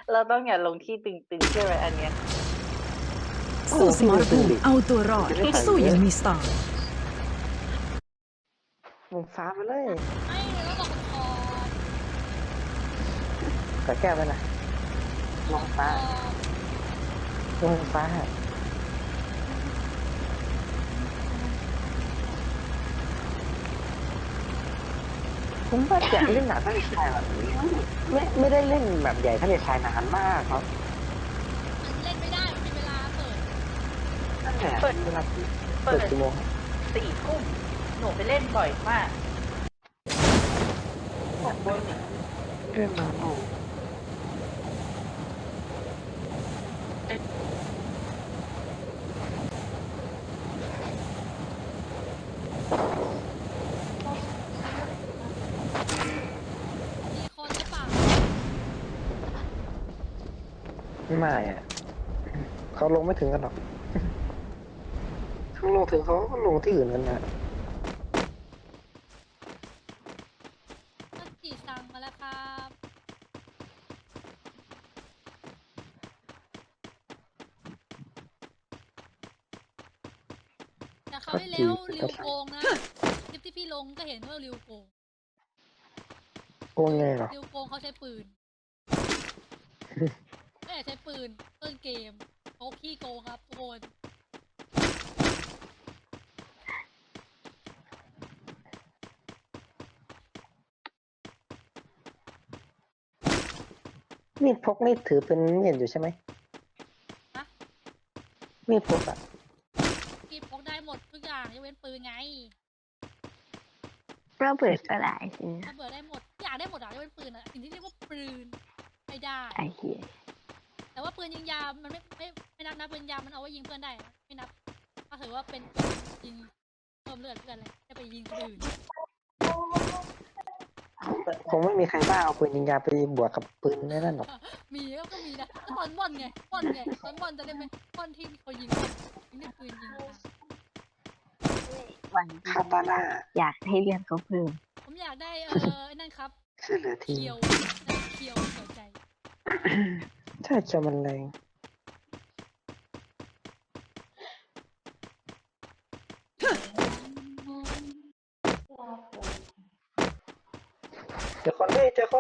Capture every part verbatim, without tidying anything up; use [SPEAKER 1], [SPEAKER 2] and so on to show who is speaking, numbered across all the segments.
[SPEAKER 1] เราต้องอย่าลงที่ตึงๆใช่ไหมอันเนี้ย
[SPEAKER 2] สู้สมรภูมิเอาตัวรอดสู้อย่างมีสไตล์
[SPEAKER 3] วงฟ้ามาเลย
[SPEAKER 4] ไม่แล้วบอกคอ
[SPEAKER 3] ก็แก้ไปนะวงฟ้าวงฟ้าผมว่าจะเล่นหนักทะเลทรายแบบนี้ไม่ไม่ได้เล่นแบบใหญ่ทะเลทรายนานมากครับ
[SPEAKER 4] มันเล่นไม่ได้มันมีเวลาเปิด
[SPEAKER 3] ตั้งแต่เวลา
[SPEAKER 1] เปิ
[SPEAKER 3] เปิด
[SPEAKER 1] ด
[SPEAKER 3] กี่โมง
[SPEAKER 1] สี่ทุ่มหนูไปเล่นบ่อยมากของบน
[SPEAKER 3] เรื่องมาโอ้
[SPEAKER 4] มีคนหรือเปล่า
[SPEAKER 3] ไม่อะเขาลงไม่ถึงกันหรอกเขาลงถึงเขาก็ลงที่อื่นกันนะ
[SPEAKER 4] ถ้าจีสั่งมาแล้วครับแต่เขาวที่แล้วริวโกงนะคลิปที่พี่ลงก็เห็นว่าริวโกง
[SPEAKER 3] โกงไงเหรอ
[SPEAKER 4] ริวโกงเขาใช้ปืนไม่ใช้ปืนต้นเกมเขาขี้โกงครับทุกคน
[SPEAKER 3] มีดพกนี่ถือเป็นมีดอยู่ใช่ไหม
[SPEAKER 4] ฮะ
[SPEAKER 3] มีดพกอะ
[SPEAKER 4] พี่พกได้หมดทุกอย่างยกเว้นปืนไง
[SPEAKER 5] ระเบิดก็ได้สินะ
[SPEAKER 4] ถ้าเบื่อได้หมดทุกอย่างได้หมดอะยกเว้นปืนอะสิ่งที่เรียกว่าปืนไม่ได้
[SPEAKER 5] ไอ้เหี้ย
[SPEAKER 4] แต่ว่าปืนยิงยาวมันไม่ไม่ไม่นับนะปืนยาวมันเอาไว้ยิงเพื่อนได้นะไม่นับถ้าถือว่าเป็นปืนยิงเพิ่มเลือดเพื่อนเลยจะไปยิงคนอื่น
[SPEAKER 3] คงไม่มีใครบ้าเอาปืนยิงยาไปบวกกับปืนนั่นหรอก
[SPEAKER 4] มีก็ก็มีนะตอนบอลไงบอลไงตอนบอลจะได้ไหมบอลที่มีคนยิงบอลยิงด้วยปืนยิงอะ
[SPEAKER 5] วัน
[SPEAKER 3] คาตาน่า
[SPEAKER 5] อยากให้เรียนเขาเพิ่ม
[SPEAKER 4] ผมอยากได้เออไอ้นั่นครับ
[SPEAKER 3] เสื้อเหลือที
[SPEAKER 4] เคียวเคียวเขียวใจ
[SPEAKER 3] ใช่เชียวมันแรงเจอคนเฮ้ยเจอคน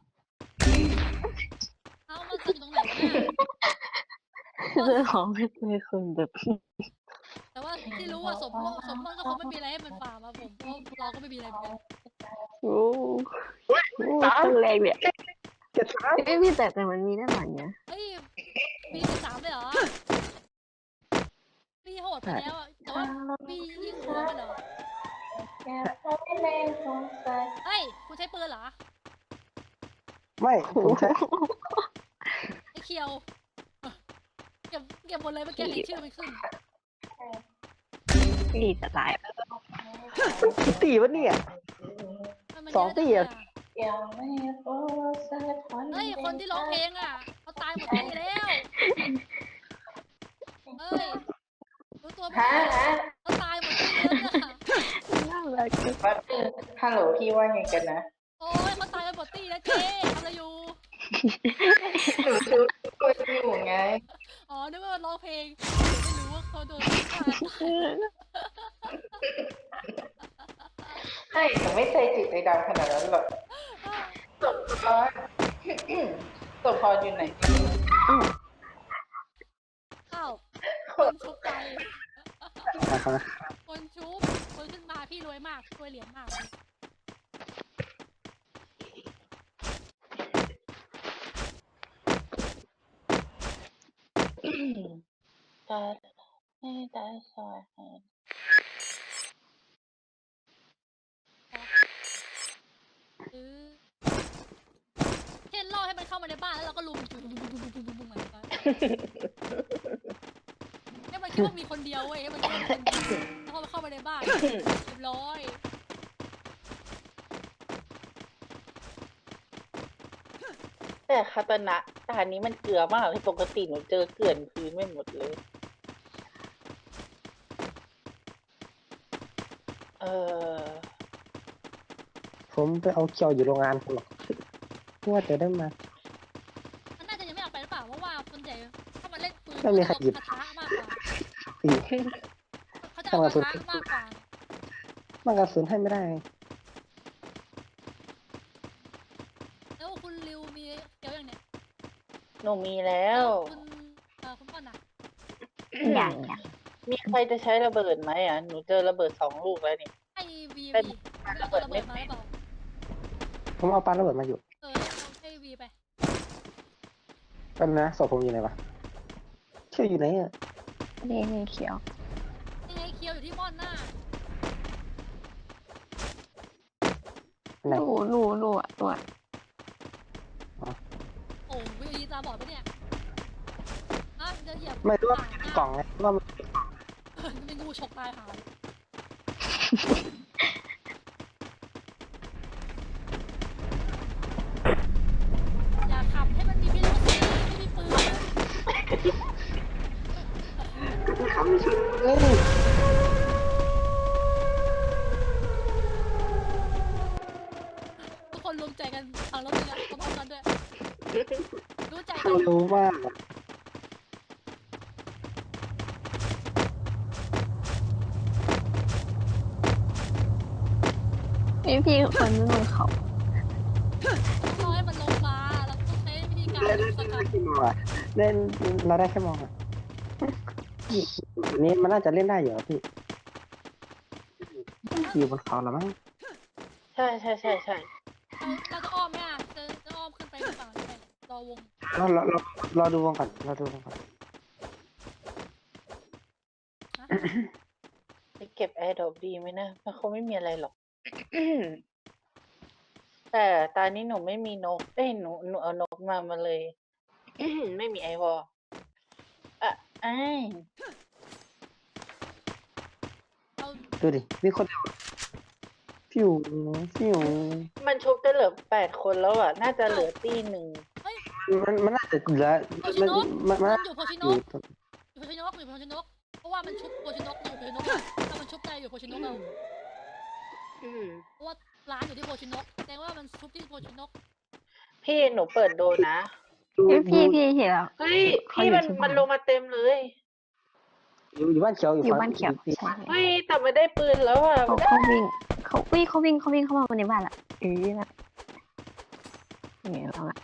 [SPEAKER 4] เอ้ามันจะอยู่ตรงไหนวะเนี่ย
[SPEAKER 5] เรื่องของไม่เคยคนแบบ
[SPEAKER 4] แต่ว่าที่รู้ว่าสมมติสมมติก็คงไม่มีอะไรให้มันฟาร์มอะผมเพราะเราก็ไม่มีอะไรเหมือนกัน
[SPEAKER 5] โอ้โหต้นแรกเนี่ย
[SPEAKER 3] เจ็ดสาม
[SPEAKER 5] เอ้ยพี่แต่แต่มันมีด้านหลังเนี่ย
[SPEAKER 4] เฮ้ยมีสิบสามเลยเหรอพี่โหดไปแล้วอะแต่ว่าพี่ยิงหัวมันเหรอเฮ้ยคุณใช้ปืนเหรอ
[SPEAKER 3] ไม่ผมใช้
[SPEAKER 4] ไอ้เคียวเก็บเก็บหมดเลยเมื่อกี้เห็นชื่อมันขึ้น
[SPEAKER 5] พี่จะตาย
[SPEAKER 3] มันกี่ตีวะเนี่ย
[SPEAKER 4] มัน
[SPEAKER 3] สองตี
[SPEAKER 4] เย
[SPEAKER 3] อะ
[SPEAKER 4] อะจังอะเฮ้ยคนที่ร้องเพลงอ่ะเขาตายหมดที่แล้วเฮ้ยรู้ตัวไหมเขาตายหมดที่แล้วเนี่ย
[SPEAKER 5] น่ารักจัง
[SPEAKER 1] ว่าฮัลโหลพี่ว่าไงกันนะ
[SPEAKER 4] โอ้ยเขาตายกันหมดที่แล้วเจ๊ทำอะไรอยู่
[SPEAKER 1] หนูดูตัวอยู่ไง
[SPEAKER 4] อ๋อนึกว่าร้องเพลงไม่รู้ว่าเขาโดนฆ่าตาย
[SPEAKER 1] ใช่หนูไม่เคยจิตใจดำขนาดนั้นหรอกศพพรศพพรอยู่ไหน
[SPEAKER 4] อ้าวคนชุบไป
[SPEAKER 3] นะครับ
[SPEAKER 4] คนชุบคนขึ้นมาพี่รวยมากรวยเหรียญมาก
[SPEAKER 1] ตาให้ตาซอยให้
[SPEAKER 4] ซื้อเช่นล่อให้มันเข้ามาในบ้านแล้วเราก็ลุมบุ้มบุ้มบุ้มบุ้มบุ้มบุ้มเหมือนกันให้มันคิดว่ามีคนเดียวเว้ยให้มันคิดว่ามีคนเดียวแล้วพอมันเข้ามาในบ้านเรียบร้อย
[SPEAKER 1] แต่คาตานะตานี้มันเกลือมากเลยปกติหนูเจอเกลื่อนพื้นไม่หมดเลย เออ
[SPEAKER 3] ผมไปเอาเกี่ยวอยู่โรงงานผมหรอกว่าจะได้มา
[SPEAKER 4] มันน่าจะยัง
[SPEAKER 3] ถ้ามีใครหยิบ
[SPEAKER 4] กระทะมากกว่า
[SPEAKER 3] พี่
[SPEAKER 4] เขาจะเอากระทะมากกว่า
[SPEAKER 3] มันกระสุนให้ไม่ได้
[SPEAKER 4] แล้วคุณริวมีเกี๊ยวอย่างเนี้ย
[SPEAKER 1] หนูมีแล้ว
[SPEAKER 4] คุณเอ่อคุณป้อนอ่ะ
[SPEAKER 5] อย่างอย่าง
[SPEAKER 1] มีใครจะใช้ระเบิดไหมอ่ะ หนูเจอระเบิดสองลูกแล้วนี่
[SPEAKER 4] ให้วี
[SPEAKER 1] เป็น
[SPEAKER 4] วีเอาตัวระเบิดมาหรือเปล่า
[SPEAKER 3] ผมเอาปาระเบิดมาอยู่
[SPEAKER 4] เออเอาให้วีไป
[SPEAKER 3] เป็นนะศพผมอยู่ไหนวะเชื่ออยู่ไหนอ่ะ
[SPEAKER 5] นี่นี่เขียว
[SPEAKER 4] ยังไงเคียวอยู่ที่ม่อนหน้า
[SPEAKER 3] ไหน
[SPEAKER 5] รูรูรูอ่ะตัว
[SPEAKER 4] โอ้วีตาบอดปะเนี่ยอ่ะจะเหยียบ
[SPEAKER 3] ไม่รู้ว่า
[SPEAKER 4] ห
[SPEAKER 3] มัน
[SPEAKER 4] น้า
[SPEAKER 3] เป็นกล่องไงว่ามัน
[SPEAKER 4] เออเป็นงูฉกตายหาเลยอย่าขับให้มันมีพิรุธสิไม่มีปืน
[SPEAKER 3] เอ้ย
[SPEAKER 4] ทุกคนรวมใจกันฟังรถเลยนะพร้อมๆกันด้วยรู้ใจกั
[SPEAKER 3] ทาน งรู้มาก
[SPEAKER 5] นี่พี่คนไม่ลงเขา
[SPEAKER 4] ต้องรอให้มันลงมาแล้วต้องใช้วิธีการ
[SPEAKER 3] เล่น
[SPEAKER 4] ลุ
[SPEAKER 3] เล่
[SPEAKER 4] ม
[SPEAKER 3] น
[SPEAKER 4] สกัด
[SPEAKER 3] กี่โมงอะเล่นเราได้แค่มองอ่ะอันนี้มันน่าจะเล่นได้อยู่อะพี่อยู่บนเขาแล้วมั้ง
[SPEAKER 1] ใช่ใช่ใช่ใช่
[SPEAKER 4] เราเราจะอ้อมไหมอ่ะจะจะอ้อมขึ้นไปหรือเปล่าใช่รอวง
[SPEAKER 3] เราเราเรารอดูวงก่อนรอดูวงก่อน
[SPEAKER 4] นะ
[SPEAKER 1] ไปเก็บแอร์ดรอปดีไหมนะ มันคงไม่มีอะไรหรอก แต่ตอนนี้หนูไม่มีนก เอ้ยหนูหนูเอานกมามาเลย ไม่มีไอวอลอ่ะไอ้าย
[SPEAKER 4] เรา
[SPEAKER 3] ดูดิมีคนเดียวฟิวฟิว
[SPEAKER 1] มันชุบได้เหลือแปดคนแล้วอ่ะ น่าจะเหลือตีหนึ่ง
[SPEAKER 4] เฮ้ย
[SPEAKER 3] มันมันน่าจะเหลือ
[SPEAKER 4] โพชิ
[SPEAKER 3] มัน
[SPEAKER 4] โนะ
[SPEAKER 3] มันมัน
[SPEAKER 4] มั
[SPEAKER 3] น่าน
[SPEAKER 4] อยู่โพชิ
[SPEAKER 3] อ
[SPEAKER 4] โนะ
[SPEAKER 3] ยู่
[SPEAKER 4] อยู่โพชิโนะอยู่โพชิโนะเพราะว่ามันชุบโพชิโนะอยู่โพชิโนะอะถ้ามันชุบได้อยู่โพชิโนะเรา
[SPEAKER 1] อืม
[SPEAKER 4] เพราะว่าร้านอยู่ที่โพชิโนะแสดงว่ามันชุบที่โพชิโนะ
[SPEAKER 1] พี่หนูเปิดโดนะ
[SPEAKER 5] พี่พี่พี่เห็นแล้ว
[SPEAKER 1] เฮ้ย
[SPEAKER 5] เขา
[SPEAKER 1] พี่
[SPEAKER 5] อยู่
[SPEAKER 1] มัน
[SPEAKER 5] ที่บ้าน
[SPEAKER 1] มันลงมาเต็มเลย
[SPEAKER 3] อยู่อยู่บ้านเขียวอยู่
[SPEAKER 5] อยู่
[SPEAKER 3] ฝั่ง
[SPEAKER 5] บ้านเขียวใช่
[SPEAKER 1] เฮ้ย แต่ไม่ได้ปืนแล้วอ่ะ
[SPEAKER 5] เขาเขาวิ่งเขาวิ่งเขาวิ่งเขาวิ่งเข้ามาในบ้านละเอ้ยนะเนี่ยเราอะ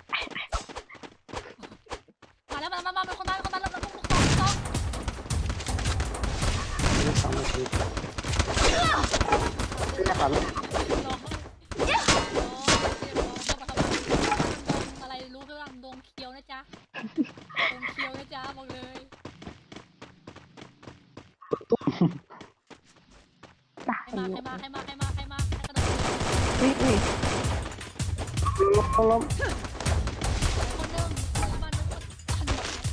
[SPEAKER 4] มาแล้วมามามามาคนมาคนมาแล้วเราต้องต้องต้อง
[SPEAKER 3] สองนาทีไม่ได้ครับ
[SPEAKER 4] รอรอเรียบร้อยเข้ามาเข้ามาดงอะไรรู้เรื่องดงเคียวนะจ๊ะดงเคียวนะจ๊ะบอกเลย
[SPEAKER 5] ตา
[SPEAKER 4] ใคร
[SPEAKER 5] ย
[SPEAKER 4] มา
[SPEAKER 5] อยู่
[SPEAKER 4] ใครมาใครมาใครมาใครมาใครกระโดด
[SPEAKER 5] อุ้ยอุ้ย
[SPEAKER 3] ล้มล้ม
[SPEAKER 4] คนหนึ่งคนละมันนึงคน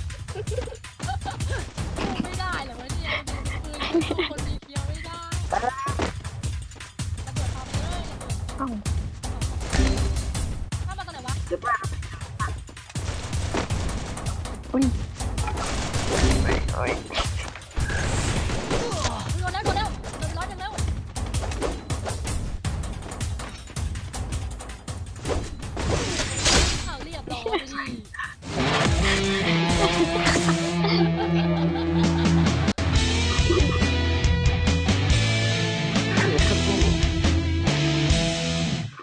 [SPEAKER 4] ไม่ได้เหรอวะเนี่ยปืนคนมีเคียวไม่ได้ระเบิดทำเลย
[SPEAKER 5] เอ้า
[SPEAKER 4] ถ้ามาตอนไหนวะ
[SPEAKER 5] อุ้ย